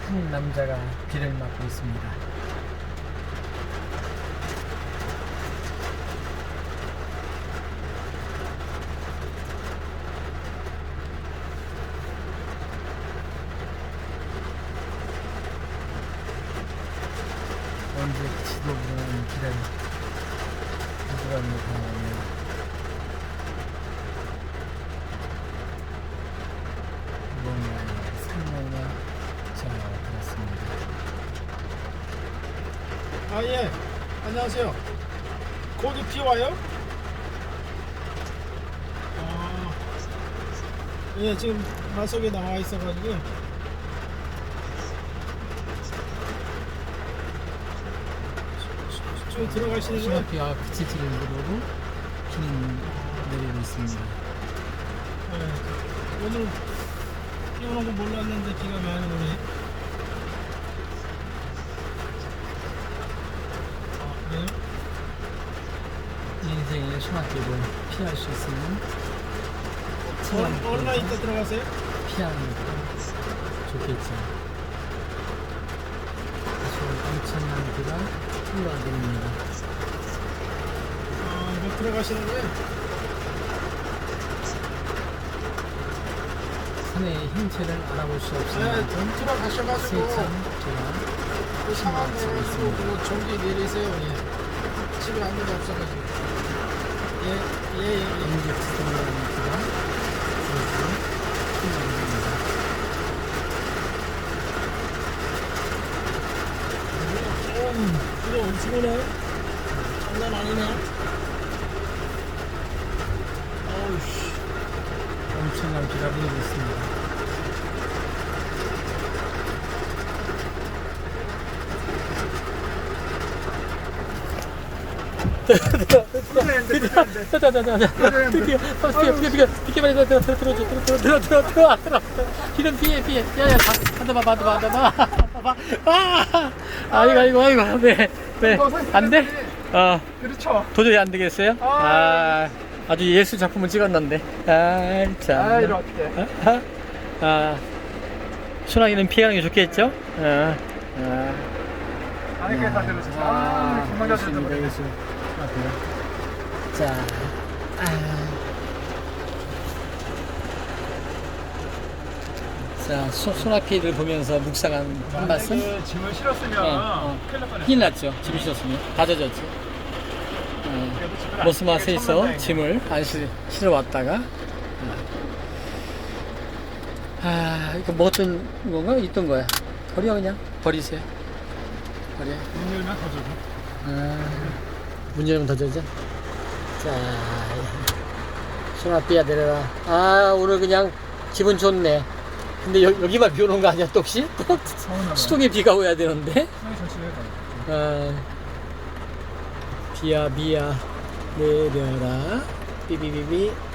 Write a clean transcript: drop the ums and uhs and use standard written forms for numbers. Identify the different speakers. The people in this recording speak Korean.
Speaker 1: 한 남자가 비를 맞고 있습니다. 언제 지도 모르는 길을 누가 뭔가 설명을 잘 들었습니다.
Speaker 2: 아, 예. 안녕하세요. 거기 비 와요? 아, 예, 지금 마석에 나와 있어가지고. 좀 들어가시는 거예요?
Speaker 1: 시나피와 그치지를 누르고 비는 내리고 있습니다.
Speaker 2: 예. 오늘 비 오는 거 몰랐는데 비가 많이 오네. 아, 그래요?
Speaker 1: 인생의 소나기를 피할 수 있는
Speaker 2: 얼마 있다 들어가세요?
Speaker 1: 피하는 것도 좋겠죠. 아주 엄청난 비가 흘러내립니다.
Speaker 2: 아, 이거 들어가시는 거예요?
Speaker 1: 산의 형체를 알아볼 수 없습니다.
Speaker 2: 네, 좀 들어가셔가지고
Speaker 1: 세찬
Speaker 2: 그 상황
Speaker 1: 제가
Speaker 2: 보시고 그 전기 내리세요. 예. 집에 아무도 없어가지고. 예.
Speaker 1: 인제 지도라는 비가 흘러내립니다.
Speaker 2: 이거 엄청 오네. 장난 아니네. 어우씨.
Speaker 1: 엄청난 비가 내리고 있습니다. 비는 피해 야야 받아봐 아이고 네 안돼
Speaker 2: 그렇죠.
Speaker 1: 도저히 안 되겠어요 아주 예술 작품을 찍었는데 참
Speaker 2: 이리 어떡해.
Speaker 1: 소나기는 피하는 게 좋겠죠
Speaker 2: 아니까 다 들으셨어. 정말 잘
Speaker 1: 예술입니다,
Speaker 2: 들었네.
Speaker 1: 예술. 자, 자, 소나피를 보면서 묵상한 한 말씀.
Speaker 2: 만약에 짐을 실었으면 큰일 날 뻔했어.
Speaker 1: 큰일 났죠. 짐 실었으면 다 젖었죠.
Speaker 2: 그래도 집을 안
Speaker 1: 모스마스에서
Speaker 2: 쳤는데.
Speaker 1: 짐을 안 실어 왔다가 이거 먹었던 건가? 있던 거야. 버려 그냥 버리세요. 버려.
Speaker 2: 문 열면 더 주고.
Speaker 1: 문 열면 더 젖어. 자, 소나비야 내려라. 오늘 그냥 기분 좋네. 근데 여기만 비 오는 거 아니야, 또 혹시? 또 수동에 비가 오야 되는데? 비야, 비야, 내려라. 삐비비비.